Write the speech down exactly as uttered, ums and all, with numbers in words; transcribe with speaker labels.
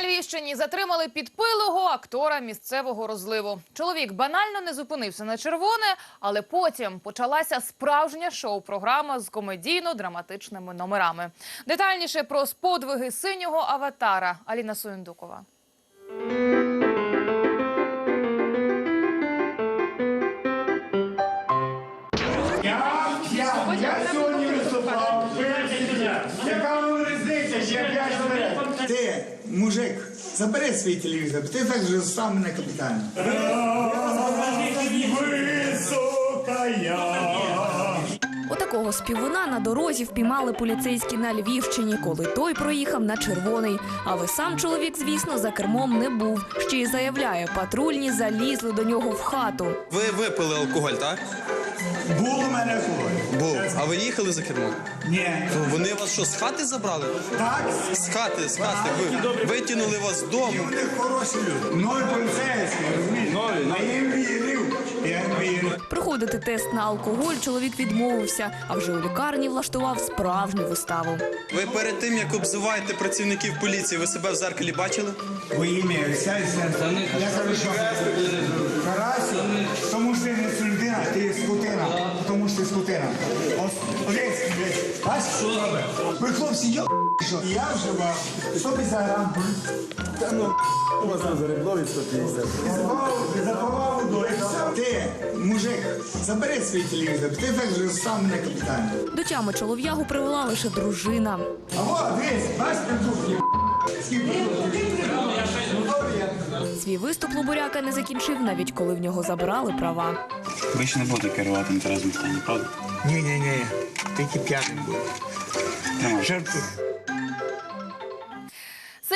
Speaker 1: На Львівщині затримали підпилого актора місцевого розливу. Чоловік банально не зупинився на червоне, але потім почалася справжня шоу-програма з комедійно-драматичними номерами. Детальніше про подвиги синього аватара Аліна Суєндукова.
Speaker 2: Я, я, я сьогодні виступав. Яка вам різниця, що я п'ять вперед?
Speaker 3: Ти, мужик, забери свій телевізор, ти так же став мене капітально.
Speaker 2: Висока я.
Speaker 4: Отакого співуна на дорозі впіймали поліцейські на Львівщині, коли той проїхав на червоний. Але сам чоловік, звісно, за кермом не був. Ще й заявляє, патрульні залізли до нього в хату.
Speaker 5: Ви випили алкоголь, так?
Speaker 3: Був у мене алкоголь.
Speaker 5: Був. А ви їхали за кермом?
Speaker 3: Ні.
Speaker 5: Вони вас що, з хати забрали?
Speaker 3: Так?
Speaker 5: З хати, з хати. Ви витягнули вас з
Speaker 3: І
Speaker 5: дому.
Speaker 3: вони хороші люди. Мною поліцейські, розумієш? А я їм вірив. Я їм вірив.
Speaker 4: Проходити тест на алкоголь чоловік відмовився, а вже у лікарні влаштував справжню виставу.
Speaker 5: Ви перед тим, як обзиваєте працівників поліції, ви себе в зеркалі бачили?
Speaker 3: Во ім'я Отця і Сина. Я кажу, що Карасю, тому що ти не людина, ти є скотина. Тому що ти скотина. Ось, ось, ось. Бачиш, що робить? Ви, хлопці, йо, що? Я вживав сто п'ятдесят грам. Та ну, у вас на зареблові сто п'ятдесят. Запивав водою. Ти, мужик, забери свій телевізор, ти так же став мене капітально.
Speaker 4: До тями чолов'ягу привела лише дружина.
Speaker 3: А вот, дивись, бачиш, придурки, скільки
Speaker 4: Свій виступ Лубуряка не закінчив, навіть коли в нього забрали права.
Speaker 6: Ви ще не будете керувати інтересним стані, правда?
Speaker 3: Ні-ні-ні, тільки п'яним був.
Speaker 6: Тримай.
Speaker 3: Жартую.